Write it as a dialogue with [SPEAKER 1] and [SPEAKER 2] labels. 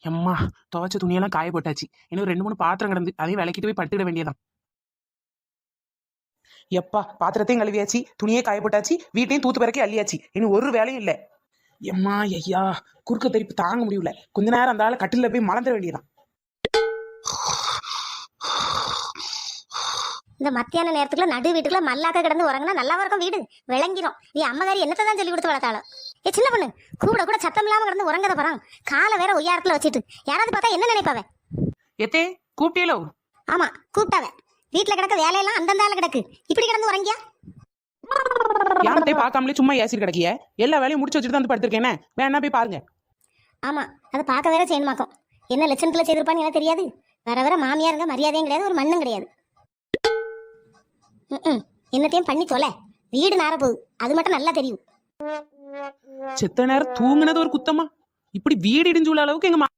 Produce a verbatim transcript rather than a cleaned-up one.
[SPEAKER 1] எம்மா, துவைச்ச துணியெல்லாம் காய போட்டாச்சு. இன்னும் ரெண்டு மூணு பாத்திரம் கிடந்து அதையும் விளக்கிட்டு போய் பட்டுக்கிட வேண்டியதான். எப்பா, பாத்திரத்தையும் கழுவியாச்சு, துணியே காய போட்டாச்சு, வீட்டையும் தூத்து பிறக்கி அள்ளியாச்சு. இன்னும் ஒரு வேலையும் இல்லை. எம்மா ஐயா, குறுக்க தெரிப்பு தாங்க முடியல. கொஞ்ச நேரம் அந்த ஆளை கட்டில போய் மலர்ந்துட வேண்டியதான்.
[SPEAKER 2] இந்த மத்தியான நேரத்துக்குள்ள நடு வீட்டுக்குள்ள மல்லாக்க கிடந்து உறங்கினா நல்லாவா இருக்கும் வீடு, விளங்கிரும். நீ அம்மகாரி என்னத்தை தான் சொல்லி கொடுத்து வளர்த்தாலும். ஏ சின்ன பொண்ணு, கூட கூட சத்தம் இல்லாம கிடந்து உறங்கத போறான். காலை வேற ஒய்யாரத்துல வச்சுட்டு யாராவது பார்த்தா என்ன நினைப்பாவ?
[SPEAKER 1] எத்தே கூப்பிட்டீங்களோ?
[SPEAKER 2] ஆமா, கூப்பிட்டாவ. வீட்டுல கிடக்க வேலையெல்லாம் அந்தந்த ஆளு கிடக்கு, இப்படி கிடந்து உறங்கியா?
[SPEAKER 1] யார்கிட்டயும் பார்க்காமலே சும்மா ஏசிட்டு கிடக்கிய. எல்லா வேலையும் முடிச்சு வச்சுட்டு தான் வந்து படுத்திருக்கேன். வேணா போய் பாருங்க.
[SPEAKER 2] ஆமா, அதை பார்க்க வேற செய்யணுமாக்கும். என்ன லட்சணத்துல செய்திருப்பான்னு எனக்கு தெரியாது. வர வர மாமியாருங்க மரியாதையும் கிடையாது, ஒரு மண்ணும் கிடையாது. ம் என்னத்தையும் பண்ணி தொலை, வீடு நார போகுது, அது மட்டும் நல்லா தெரியும்.
[SPEAKER 1] செத்த நேரம் தூங்குனது ஒரு குத்தமா? இப்படி வீடு இடிஞ்சு உள்ள அளவுக்கு எங்க